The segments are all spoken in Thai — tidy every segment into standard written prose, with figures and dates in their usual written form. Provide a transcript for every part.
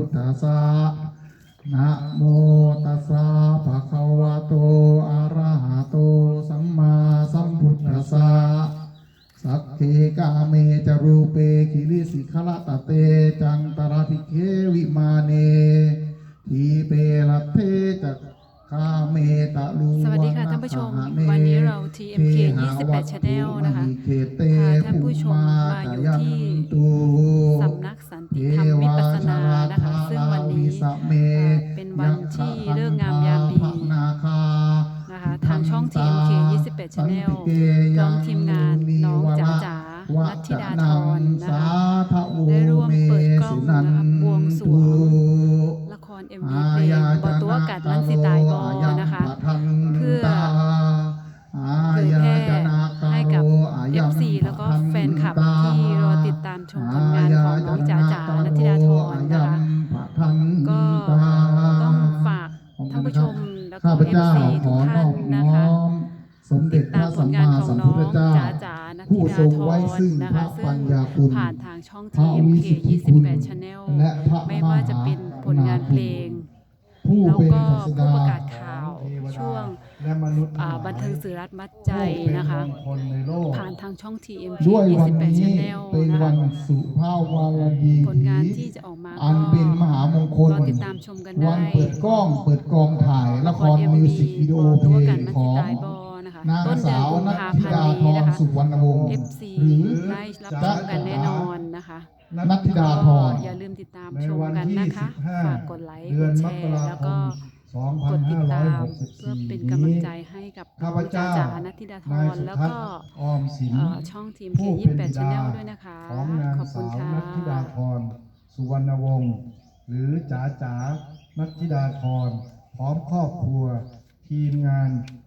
ทธัสสะนะโมตัสสะภะคะวะโตอะระหะโตสัมมาสัมพุทธัสสะสัพเพกาเมจรูเปกิริสิขละตะเตจันตระภิกเขวิมาเนทีเปละเทจักคาเมตะลูสวัสดีค่ะท่านผู้ชมวันนี้เรา TMK 28 Channel นะคะพาท่านผู้ชมมาอยู่ที่สำนักสันติธรรมวิปัสสนานะคะซึ่งวันนี้เป็นวันที่เลิกงามยามดีนะคะทางช่อง TMK 28 Channel พร้อมทีมงานน้องจ๋าจ๋านัทธิดาธรนะคะได้ร่วมเปิดกล้องนะคะบวงสรวงละคร MV เพลงบ่ตัวกัดมันสิตายบอนะคะเพื่อเผยแพร่ให้กับ FC แล้วก็แฟนคลับที่รอติดตามชมผลงานของน้องจ๋าจ๋านัทธิดาธรนะคะก็ต้องฝากท่านผู้ชมแล้วก็ FC ทุกท่านนะคะติดตามผลงานของน้องจ๋าจ๋านัทธิดาธรนะคะซึ่งผ่านทางช่อง TMK 28 Channel ไม่ว่าจะเป็นผลงานเพลงแล้วก็ผู้ประกาศข่าวช่วงบันเทิงสื่อรัฐมัดใจนะคะผ่านทางช่อง TMK 28 Channel นะคะผลงานที่จะออกมาก็เป็นมหามงคลรอติดตามชมกันได้วันเปิดกล้องเปิดกองถ่ายละครมิวสิกวิดีโอเพลงของนางสาวนัทธิดาธรสุวรรณวงศ์ FC หรือได้รับชมกันแน่นอนนะคะนัทธิดาธรอย่าลืมติดตามชมกันนะคะฝากกดไลค์กดแชร์แล้วก็กดติดตามเพื่อเป็นกำลังใจให้กับน้องจ๋าจ๋านัทธิดาธรแล้วก็ช่องทีม K28 Channel ด้วยนะคะขอบคุณค่ะนัทธิดาธรสุวรรณวงศ์หรือจ๋าจ๋านัทธิดาธรพร้อมครอบครัวทีมงาน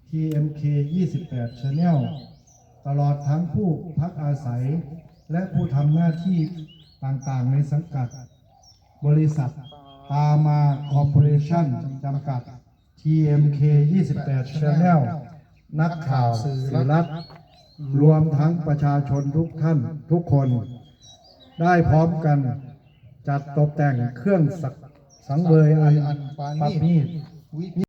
TMK 28 Channel ตลอดทั้งผู้พักอาศัยและผู้ทำหน้าที่ต่างๆในสังกัดบริษัทตามาคอร์ปอเรชั่นจำกัด TMK 28 Channel นักข่าวสื่อรัฐรวมทั้งประชาชนทุกท่านทุกคนได้พร้อมกันจัดตกแต่งเครื่องสังเวยอันประณีต